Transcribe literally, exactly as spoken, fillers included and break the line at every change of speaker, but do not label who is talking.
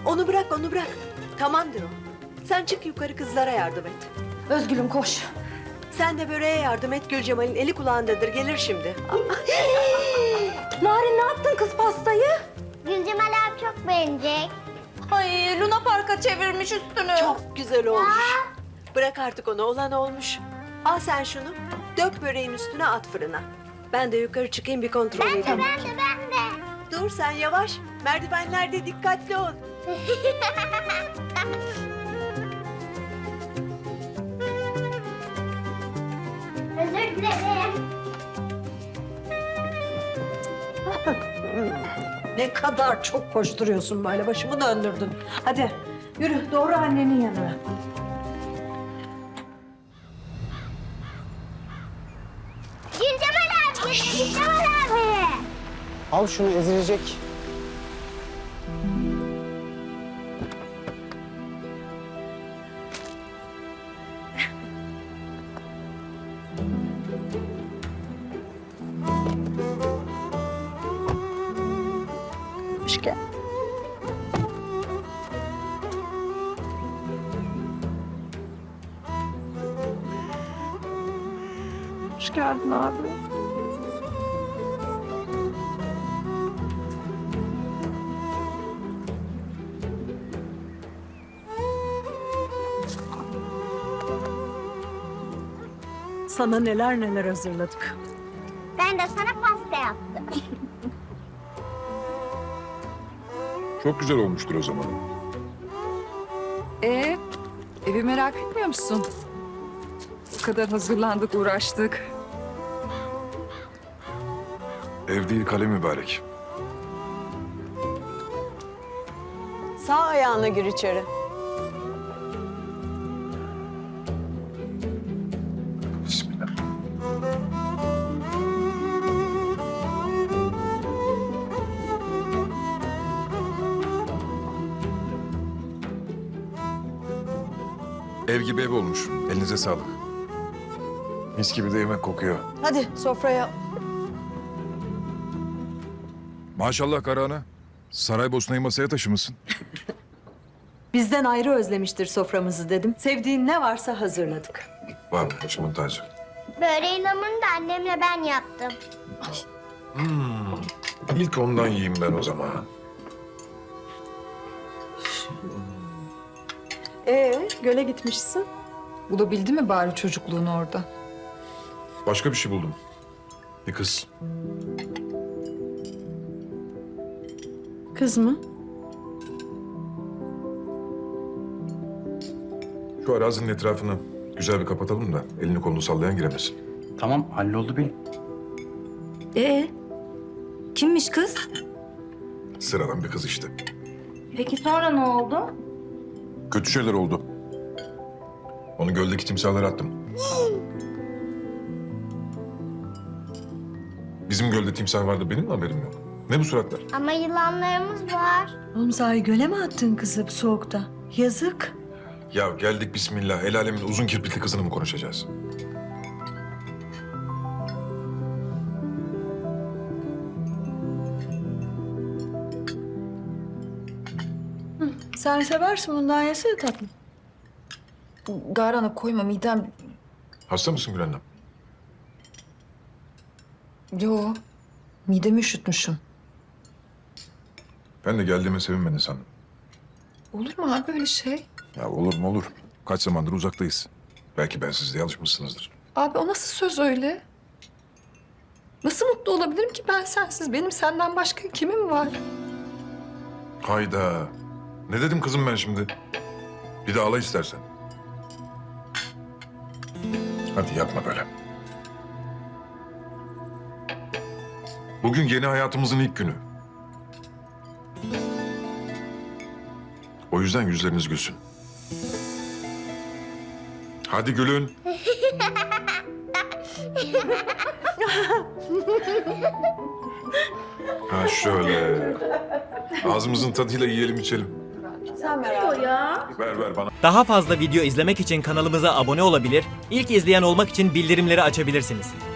Onu bırak, onu bırak. Tamamdır o. Sen çık yukarı, kızlara yardım et.
Özgül'üm koş.
Sen de böreğe yardım et. Gülcemal'in eli kulağındadır. Gelir şimdi.
Narin ne yaptın kız pastayı?
Gülcemal abi çok beğenecek.
Ay Luna Park'a çevirmiş üstünü.
Çok güzel olmuş. Bırak artık onu. Olan olmuş. Al sen şunu. Dök böreğin üstüne, at fırına. Ben de yukarı çıkayım, bir kontrol edeyim.
Ben de ben de.
Dur sen, yavaş. Merdivenlerde dikkatli ol.
Özür dilerim.
Ne kadar çok koşturuyorsun böyle, başımı döndürdün. Hadi yürü doğru annenin yanına.
Gülcemal abi, Gülcemal abi.
Al şunu, ezilecek.
Hoş geldin. Hoş geldin abi. Sana neler neler hazırladık.
Ben de sana pasta yaptım.
Çok güzel olmuştur o zaman.
Ee, evi merak etmiyor musun? O kadar hazırlandık, uğraştık.
Ev değil, kale mübarek.
Sağ ayağına gir içeri.
Bismillah. Ev gibi ev olmuş. Elinize sağlık. Mis gibi de yemek kokuyor.
Hadi sofraya.
Maşallah Karahan'a. Saraybosna'yı masaya taşımışsın.
Bizden ayrı özlemiştir soframızı dedim. Sevdiğin ne varsa hazırladık.
Var başımın tacı.
Böreğin hamurunu da annemle ben yaptım.
İlk ondan yiyeyim ben o zaman.
Ee, göle gitmişsin.
Bulabildi mi bari çocukluğunu orada?
Başka bir şey buldum. Bir kız.
Kız mı?
Şu arazinin etrafını güzel bir kapatalım da elini kolunu sallayan giremesin.
Tamam, halloldu bil.
Ee, kimmiş kız?
Sıradan bir kız işte.
Peki sonra ne oldu?
Kötü şeyler oldu. Onu göldeki timsahlara attım. Bizim gölde timsah vardı, benim mi haberim yok? Ne bu suratlar?
Ama yılanlarımız var.
Oğlum sahi göle mi attın kızı bu soğukta? Yazık.
Ya geldik bismillah, el alemin uzun kirpikli kızını mı konuşacağız?
Sen seversin bundan, yesene tatlım.
Garan'a koyma, midem...
Hasta mısın Gül annem?
Yo, midemi üşütmüşüm.
Ben de geldiğime sevinmedin sandım.
Olur mu abi öyle şey?
Ya olur mu olur. Kaç zamandır uzaktayız. Belki ben siz de alışmışsınızdır.
Abi o nasıl söz öyle? Nasıl mutlu olabilirim ki ben sensiz? Benim senden başka kimim var?
Hayda. Ne dedim kızım ben şimdi? Bir de ağla istersen. Hadi yapma böyle. Bugün yeni hayatımızın ilk günü. O yüzden yüzleriniz gülsün. Hadi gülün. Ha şöyle. Ağzımızın tadıyla yiyelim içelim.
Sen merak etme.
Ver ver bana.
Daha fazla video izlemek için kanalımıza abone olabilir, ilk izleyen olmak için bildirimleri açabilirsiniz.